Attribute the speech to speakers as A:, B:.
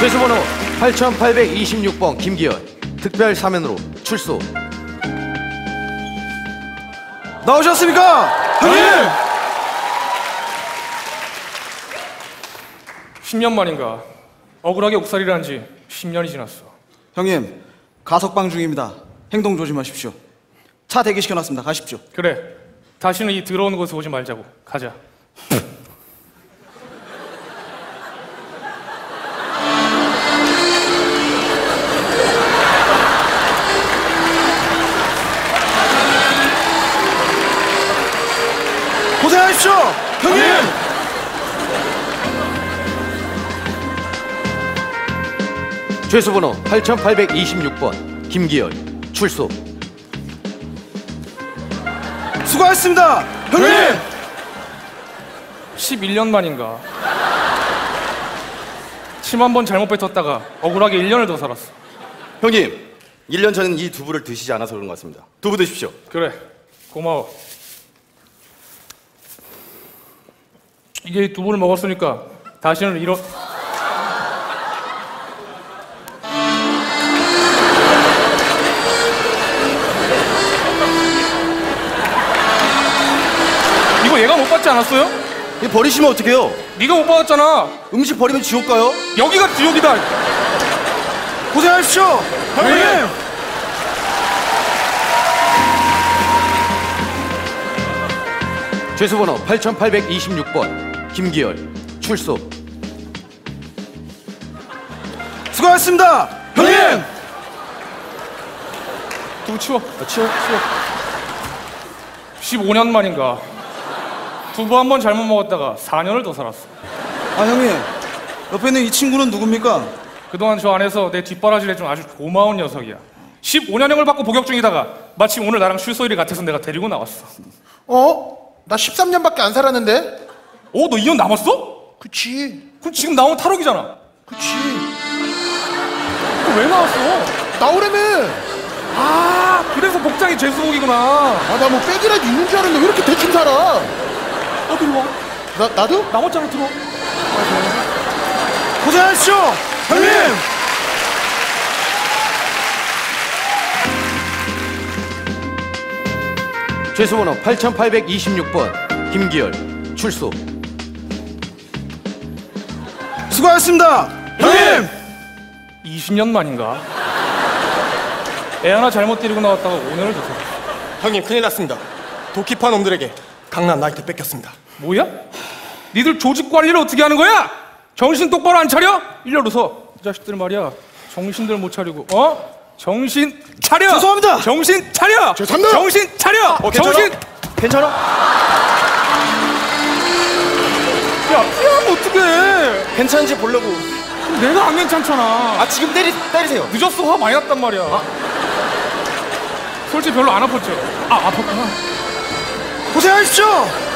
A: 죄수번호 8826번 김기열 특별 사면으로 출소.
B: 나오셨습니까? 형님!
C: 10년 만인가 억울하게 옥살이를 한 지 10년이 지났어.
B: 형님, 가석방 중입니다. 행동 조심하십시오. 차 대기시켜놨습니다. 가십시오.
C: 그래, 다시는 이 더러운 곳에 오지 말자고. 가자.
B: 고생하십시오! 형님!
A: 죄수번호 8826번 김기열 출소.
B: 수고하셨습니다! 형님!
C: 11년 만인가 침 한 번 잘못 뱉었다가 억울하게 1년을 더 살았어.
D: 형님, 1년 전엔 이 두부를 드시지 않아서 그런 것 같습니다. 두부 드십시오.
C: 그래, 고마워. 이게 이 두부를 먹었으니까 다시는 이런... 이거 얘가 못 받지 않았어요?
D: 이거 버리시면 어떡해요?
C: 네가 못 받았잖아.
D: 음식 버리면 지옥 가요?
C: 여기가 지옥이다.
B: 고생하십시오! 형님!
A: 죄수번호 8826번 김기열 출소.
B: 수고하셨습니다! 형님!
C: 두부 치워. 치워. 15년 만인가 두부 한 번 잘못 먹었다가 4년을 더 살았어.
B: 아, 형님. 옆에 있는 이 친구는 누굽니까?
C: 그동안 저 안에서 내 뒷바라지를 해준 아주 고마운 녀석이야. 15년형을 받고 복역 중이다가 마침 오늘 나랑 출소일이 같아서 내가 데리고 나왔어.
E: 나 13년밖에 안 살았는데?
C: 너 2년 남았어?
E: 그치.
C: 그럼 지금 나오면 탈옥이잖아.
E: 그치.
C: 왜 나왔어?
E: 나오라며.
C: 그래서 복장이 죄수복이구나.
E: 나 뭐 백이라도 있는 줄 알았는데 왜 이렇게 대충 살아?
C: 어디 와?
E: 나도?
C: 남았잖아, 들어.
B: 고생하십시오! 형님!
A: 죄수번호 8826번 김기열 출소.
B: 수고하셨습니다! 형님!
C: 20년 만인가 애 하나 잘못 데리고 나왔다가 오늘을 더 살았어.
F: 형님, 큰일 났습니다. 도끼파 놈들에게 강남 나이트 뺏겼습니다.
C: 뭐야? 니들 조직 관리를 어떻게 하는 거야? 정신 똑바로 안 차려? 일렬로 서. 이 자식들 말이야. 정신들 못 차리고. 정신 차려.
B: 죄송합니다.
C: 정신 차려.
E: 죄송합니다.
C: 정신 차려. 정신.
B: 괜찮아?
C: 야, 피하면 어떡해.
B: 괜찮은지 보려고.
C: 내가 안 괜찮잖아.
B: 지금 때리세요.
C: 늦었어. 화 많이 났단 말이야. 솔직히 별로 안 아팠죠? 아팠구나.
B: 고생하십시오!